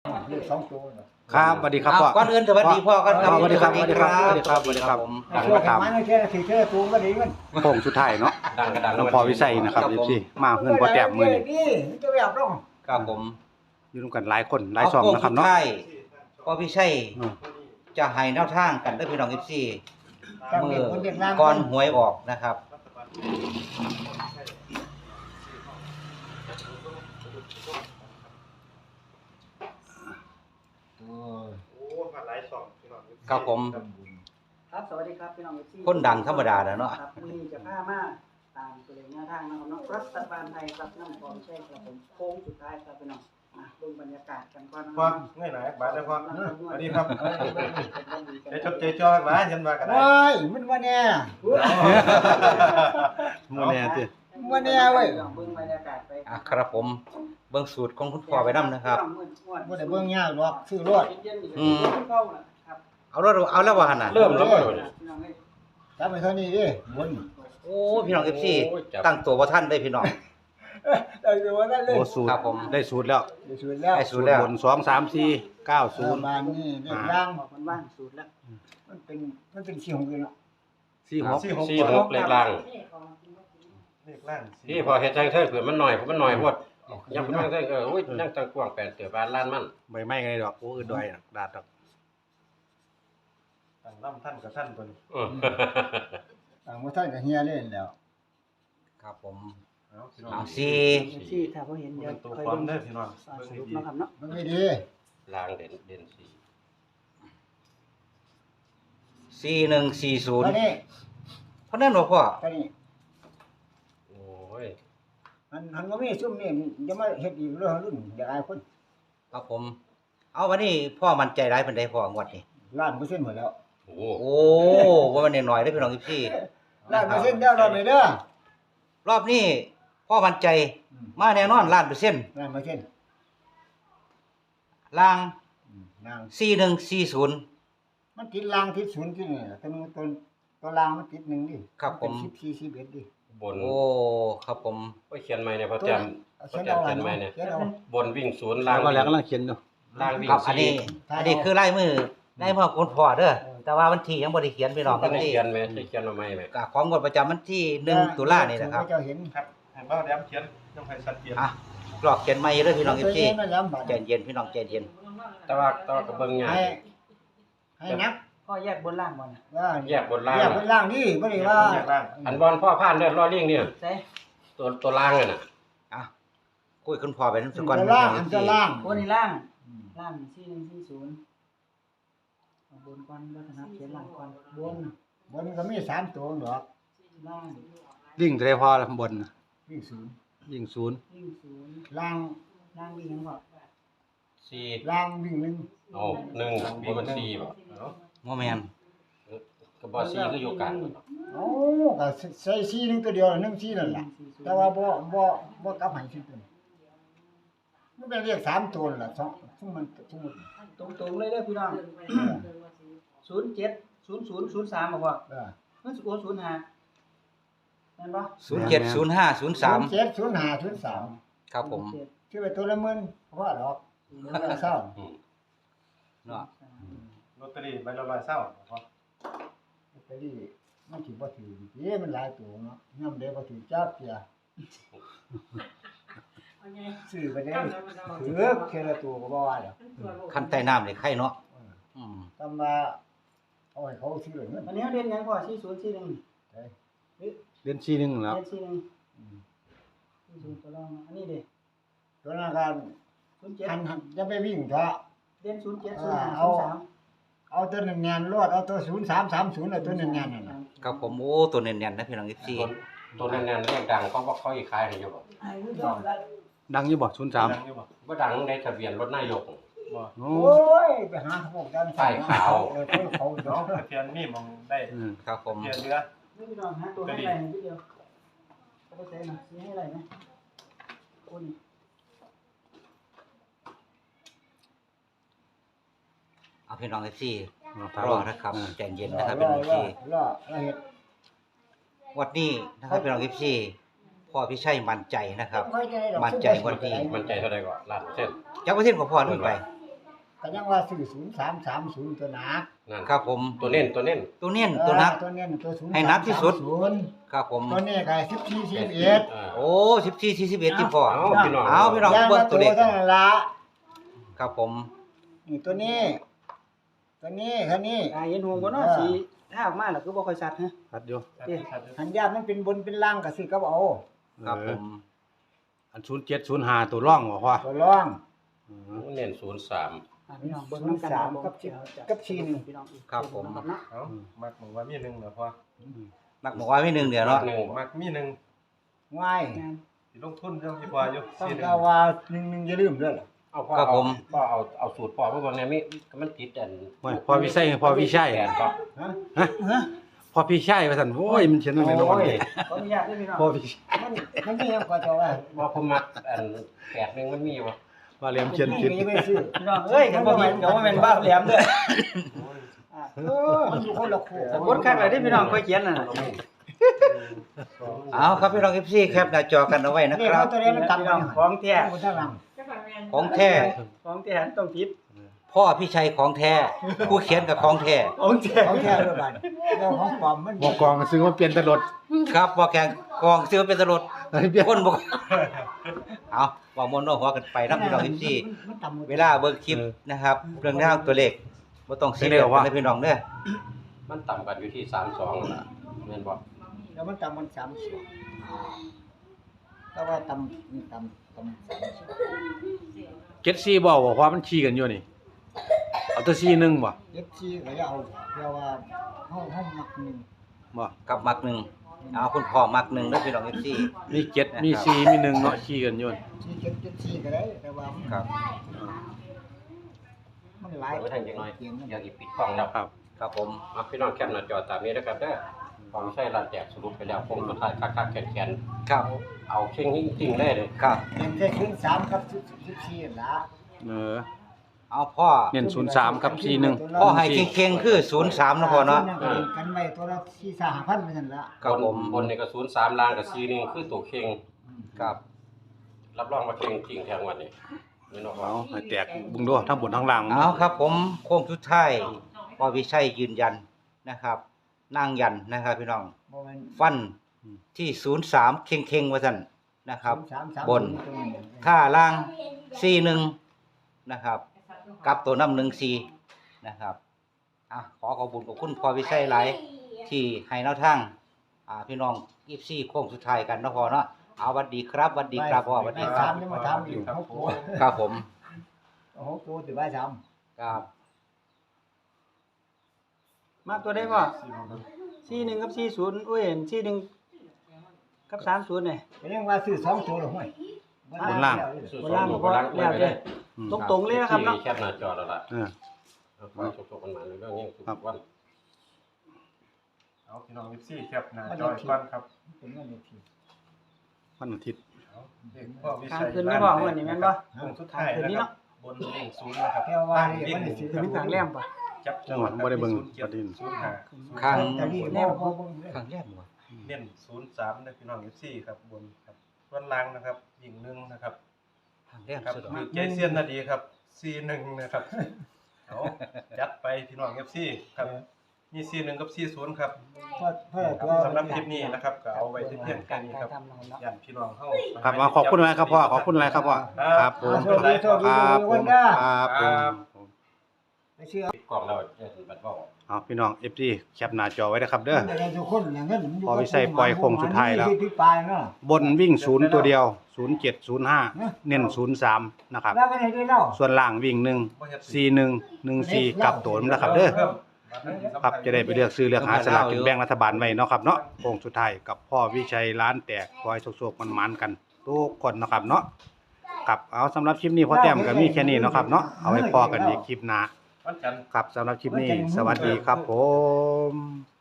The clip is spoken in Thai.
เลข2ตัวเนาะครับสวัสดีครับพ่อก่อนอื่นสวัสดีพ่อกันครับสวัสดีครับสวัสดีครับสวัสดีครับสวัสดีครับดังมาตามมันแค่สิเท่ตัวก็ดีมันโค้งสุดท้ายเนาะดังกระดังหลวงพ่อวิชัยนะครับพี่มาเงินพอแต้มมื้อนี้นี่จะแบบต้องครับผมอยู่ร่วมกันหลายคนหลายช่องนะครับเนาะพ่อพี่ชัยจะให้แนวทางกันได้พี่น้อง14มื้อก่อนหวยออกนะครับครับผมครับสวัสดีครับพี่น้องที่คนดังธรรมดาแล้วเนาะครับมื้อนี้จะพามาตามตัวเลขแนวทางนะครับเนาะรัฐบาลไทยครับน้ำพร้อมใช่ครับผมโค้งสุดท้ายครับพี่น้องดูบรรยากาศกันก่อนนะคพ่อรับเงื่อนไหนบาดเลยพ่อสวัสดีครับเดี๋ยวชดเจจอมาฉันมากันได้โอ้ยมันว่าแน่มื้อนี้ติว่าแน่เว้ยเบิ่งบรรยากาศไปครับผมเบิ่งสูตรของคุณพ่อไปนำนะครับบ่ได้เบิ่งยากหรอกซื้อรถเข้านะครับเอาแล้วว่าหั่นน่ะเริ่มแล้วบ่โดนพี่น้องเอ้ยจับไปเท่านี้ดิบนโอ้พี่น้อง14ตั้งตัวบ่ทันได้พี่น้องได้ดูว่านั่นเลยโอ้สูตรครับผมได้สูตรแล้วได้สูตรแล้วได้สูสูตตรรแล้วบน2 3 4 9 บานนี่เลขล่างบอกมันว่างสูตรแล้วมันเป็น4 6อยู่เนาะ 0 4 6 46เลขล่างนี่ของเลขล่างนี่พอเฮ็ดจังเทิงเผื่อมันหน่อยเพราะมันหน่อยพดยังบ่ทังเทิงโอ้ยยังจังกว้าง8เตือบ้านล้านมันใบไม้ไงดอกโอ้อื่นดอยดาดดอกตั้งล่ำท่านกับท่านเพิ่นเออบ่ทันก็เฮียเล่นแล้วครับผมเอาพี่น้องเอาที่ถ้าบ่เห็นเดี๋ยวตัวค่อยความเบิ่งเด้อพี่น้องสเบิ่งรุปดีเนาะครับเนาะมันไม่ดีลางเด่นสีตอน 4140 นี้เพราะนั้นบ่พ่อตอนนี้โอ้ยมันบ่มีซุ่มนี่จะมาเฮ็ดอีกเรื่องรุ่นอย่าอายคนครับผม เอาวันนี้พ่อมั่นใจหลายปานใดพ่องวดนี้ 1,000%หมดแล้วโอ้โอ้ว่ามันน้อยๆเด้อพี่น้อง14 1,000%แล้วรอบนี้เด้อรอบนี้พ่อมั่นใจมาแน่นอนล้านเปอร์เซ็นต์ 1,000% ล่างนาง 4140 มันติดรางติดศูนย์ที่นี่ล่ะแต่มันตัวรางมันติด1ดิครับผมเป็น14 11ดิบนโอ้ครับผมโอ้ยเขียนใหม่เนี่ยพอแต้มเขียนเอาล่ะเนาะเขียนเอาบนวิ่งศูนย์แล้ล่างวก็แล้วกำลังเขียนอยู่ล่างวิ่งครับอันสี่นี้คือลายมือคุณพ่อเด้อแต่ว่าวันที่ยังบ่ได้เขียนพี่น้องก็วันได้ที่เขียนไหมได้เขียนมาใหม่ไหมก็ของงวดประจำวันที่1ตุลานี่นะครับเจ้าเห็นครับให้เบ้าแหลมเขียนต้องให้ชัดเจนอ่ะกรอกเขียนใหม่เด้อพี่น้องตัว 14 เย็นนั่นแหละบาดใจเย็นพี่น้องใจเย็นแต่ว่าก็เบิ่งยากให้นับพ่อแยกบนล่างบ่น่ะว่าแยกบนล่างแยกบนล่างนี่บ่ได้ว่าแยกล่างอันบอลพ่อผ่านเด้อล้อเลี่ยงเนี่ยใส่ตัวล่างน่ะอ่ะคุยคุณพ่อไปนำสักก่อนตัวล่างอันตัวล่างบนนี่ล่างล่าง4140เอาบนก่อนแล้วนะครับเขียนล่างก่อนบนบนก็มี3ตัวดอกล่างวิ่งเท่าใดพอละบนน่ะวิ่งศูนย์วิ่ง0 วิ่งศูนย์ล่างล่างวิ่งหยังบ่สี่ล่างวิ่งหนึ่งเอาหนึ่งบ่มันสี่บ่บ่แม่นก็บ่สี่คืออยู่กลางเอ้าก็ใส่ซีหนึงตัวเดียว1ซีนั่นล่ะแต่ว่าบ่กลับให้ซีตัวมันเป็นเรียก3ตัวนั่นล่ะซุมมันตรงๆเลยเด้อพี่น้อง070003บ่พ่อเออมันสิโอน05แม่นบ่ 070503 070503 ครับผมชื่อไปตัวละ10,000เพราะว่าดอกเศร้าเนาะลอตเตอรี่ใบละ100เศร้าพ่อไปดิมันสิบ่ถือมันหลายตัวเนาะยามใดบ่ถือจักเที่ยซื้อไปได้ถือแค่ละตัวก็บ่ว่าแล้วขั้นใต้น้ำนี่ไข่เนาะอืมตำว่าเอาให้เขาซื้อเงินอันนี้เรียนหยังพ่อ4041 เรียน4 1แล้วเรียน4140ตัวรองอันนี้เด้ตัวนั้นก็หัน 07 จะไปวิ่งเถอะเรียน070503 เอาตัวแน่นๆรวดเอาตัว0330เอาตัวแน่นๆนั่นน่ะครับผมโอ้ตัวเน่นๆนะพี่น้อง14 ตัวนั้นๆเรียกดังเขาบอกเขาอีกขายให้อยู่บ่ไอ้ผู้ชมละดังอยู่บ่ดัง 03 อยู่บ่บ่ดังในทะเบียนรถนายกบ่โอ้โอ้ยไปหาพวกกันป้ายขาวคนเขาดอกทะเบียนมีมองได้ครับผมทะเบียนเรือนี่พี่น้องฮะตัวให้ไรนิดเดียวเอาไปใส่หน่อยซื้อให้ไรนะคุณเอาพี่น้อง14 ถามรอนะครับใจเย็นนะครับพี่น้อง14 รอเฮ็ดวันนี้นะครับพี่น้อง14พ่อพี่ชัยมั่นใจนะครับ มั่นใจวันนี้มันใจเท่าใดก็ล้านเส้นจักเปอร์เซ็นต์ของพ่อนึงไปก็ยังว่าซื้อ0330ตัวหนักนั่นครับผมตัวเน้นตัวเน้นตัวนักตัวเน้นตัว0 ให้หนักที่สุด ครับผมตัวนี้ก็14 11 โอ้14 41ที่พ่อเอาพี่น้องเอาพี่น้องเบิ่งตัวเลขเท่านั้นละครับผมนี่ตัวนี้คันนี้กายเห็นหงบ่เนาะสีถ้าออกมาแล้วคือบ่ค่อยชัดฮะชัดอยู่หันยามันเป็นบนเป็นล่างก็สิก็เอาครับผมอัน0705ตัวร่องบ่พ่อตัวร่องเน้น03 พี่น้องเบิ่งนำกัน 03กับ4 1 พี่น้องครับผมเนาะเอ้ามักหมูว่ามีหนึ่งเหรอพ่อนักบอกว่ามีหนึ่งเดียวเนาะหนึ่งมักมีหนึ่งง่ายสิลงทุนเรื่องที่พ่ออยู่ต้องสี่หนึ่ก็งว่า1อย่าลืมเด้อล่ะเอาพ่อครับผมพ่อเอาสูตรพ่อมาเบิ่งแน่มีมันติดอันโอ้ยพ่อวิชัยพ่อวิชัยแปดป่ะฮะพ่อพี่ชัยว่าซั่นโอ้ยมันเขียนว่าแม่นบ่โอ้ยขออนุญาตด้วยพี่น้องพ่อพี่ชัยมันมีหยังก็จะว่าว่าผมมักอัน8นึงมันมีบ่ว่าเหลี่ยมเขียนผิดนี่ไม่ซื้อพี่น้องเอ้ยกันบ่มีก็บ่แม่นบ้าแหลมเด้อมันอยู่คนละคู่สมมุติคักเลยที่พี่น้องค่อยเขียนน่ะเอาครับพี่น้อง FC แคปหน้าจอกันเอาไว้นะนี่ครัเขาบตัวนี้มันต่ำของแท้คนท่าหลังของแท้ของแท้ต้องผิดพ่อพี่ชัยของแท้ผู้เขียนกับของแท้ของแท้เขาแค่เรื่องบันเรื่องของปลอมมันบ่กองซื้อมาเปลี่ยนแตลอดครับบ่แข่งกองซื้อเป็นตลดเปลี่ยนคนบ่เอาว่ามวนว่าหัวกันไปนะพี่น้อง FC มันต่ำเวลาเบิ่งคลิปนะครับเรื่องราวตัวเลขบ่ต้องซีเรียสกันนะพี่น้องเด้อมันต่ำกันอยู่ที่32นั่นล่ะแม่นบ่แล้วมันต่ำมัน3ส่วนแต่ว่าต่ำ 74 3 บ่พ่อมันชี้กันอยู่นี่เอาแต่41บ่เอฟซีก็จะเอาเรียกว่าห้องมักหนึ่งบ่กับมักหนึ่งเอาคุณพ่อมักหนึ่งเด้อพี่น้อง FC มี7มี4มี1เนาะชี้กันอยู่ที่เก็บเจ็ดซีก็ได้แต่ว่ามันครับมันหลายไว้ทางจังหน่อยเขียนมันอยากอีปิดกล้องแล้วครับครับผมเอาพี่น้องแคปหน้าจอตามนี้นะครับเด้อของใช้ร้านแจกสรุปไปแล้วคงสุดท้ายคักๆแข็งครับๆเอาเข่งจริงๆเลยครับเขียนแค่ครึ่ง3กับ14ละเออเอาพ่อเน้น03กับ41 พ่อให้เก่งๆคือ03นะพ่อเนาะกันไว้ตัวละ4-5,000ไปนั่นละครับผมบนนี่ก็03ล่างก็41คือตัวเข่งครับรับรองว่าเข่งจริงแทงวันนี้ไม่นอกเอาให้แตกเบิ่งดูทั้งบนทั้งล่างเอาครับผมโค้งสุดท้ายพ่อวิชัยยืนยันนะครับนั่งยันนะครับพี่น้องบ่แม่นฟันที่03เข่งๆว่าซั่นนะครับ 3-3 บน ค่าล่าง41นะครับกับตัวน้ำ14นะครับขอขอบคุณพ่อวิชัยหลายที่ให้แนวทางพี่น้อง24โค้งสุดท้ายกันเนาะพ่อเนาะเอาสวัสดีครับสวัสดีครับพ่อสวัสดีครับ 3ยังมาทำอยู่6ตัวครับผม 6ตัวสิบ่าย3 ครับมากตัวได้พ่อ41กับ40โอ้ย41กับ30นี่ก็ยังว่าซื้อ2ตัวละห้วยบนล่างบนล่างก็พอแล้วเด้อตรงๆเลยนะครับเนาะแคปหน้าจอแล้วล่ะเออเอาไปชกๆกันมาในเรื่องนี้ทุกวันเอาพี่น้อง14แคปหน้าจอยก่อนครับเป็นเงินเลขที่วันอาทิตย์เอาเลขพ่อวิกลางชัยคืนไม่บอกวันนี้แม่นบ่โค้งสุดท้ายนะครับบนเลข0นะครับแค่ว่านี่มันสิคือมีกลางแรมป่ะจับจังหวัดบ่ได้เบิ่งประเด็น 05 ข้างแต่นี่บ่บ่บ่ข้างแรกบ่เน้น03นะพี่น้อง14ครับบนครับส่วนล่างนะครับยิง1นะครับข้างแรกครับสุดมีใจเซียนนาดีครับ C1 นะครับเอาจัดไปพี่น้อง FC ครับมี C1 กับ C0 ครับตัวสำหรับคลิปนี้นะครับก็เอาไว้ที่เพียงแค่นี้ครับทำเราเนาะย่านพี่น้องเฮาครับขอบคุณหลายครับพ่อขอบคุณหลายครับพ่อครับผมโชคดีโชคดีครับทุกผคนมเด้อครับผมไม่เชื่อปิดกล้องแล้วจะบัดเว้าเอาพี่น้อง FG แคปหน้าจอไว้นะครับเด้อมันได้ทุกคนน่ะเงินมันอยู่พอวิชัยปล่อยโค้งสุดท้ายแล้วที่ปลายเนาะบนวิ่ง0ตัวเดียว0705เน้น03นะครับแล้วก็ให้ได้เล่าส่วนล่างวิ่ง1 41 14กลับตัวนะครับเด้อครับจะได้ไปเลือกซื้อเลือกหาสลากกินแบ่งรัฐบาลไว้เนาะครับเนาะโค้งสุดท้ายกับพ่อวิชัยร้านแตกคอยโชคๆมันๆกันทุกคนเนาะครับเนาะครับเอาสำหรับคลิปนี้พ่อแต้มก็มีแค่นี้เนาะครับเนาะเอาไว้พอกันอีกคลิปหน้าวันจันทร์ครับสำหรับคลิปนี้สวัสดีครับผม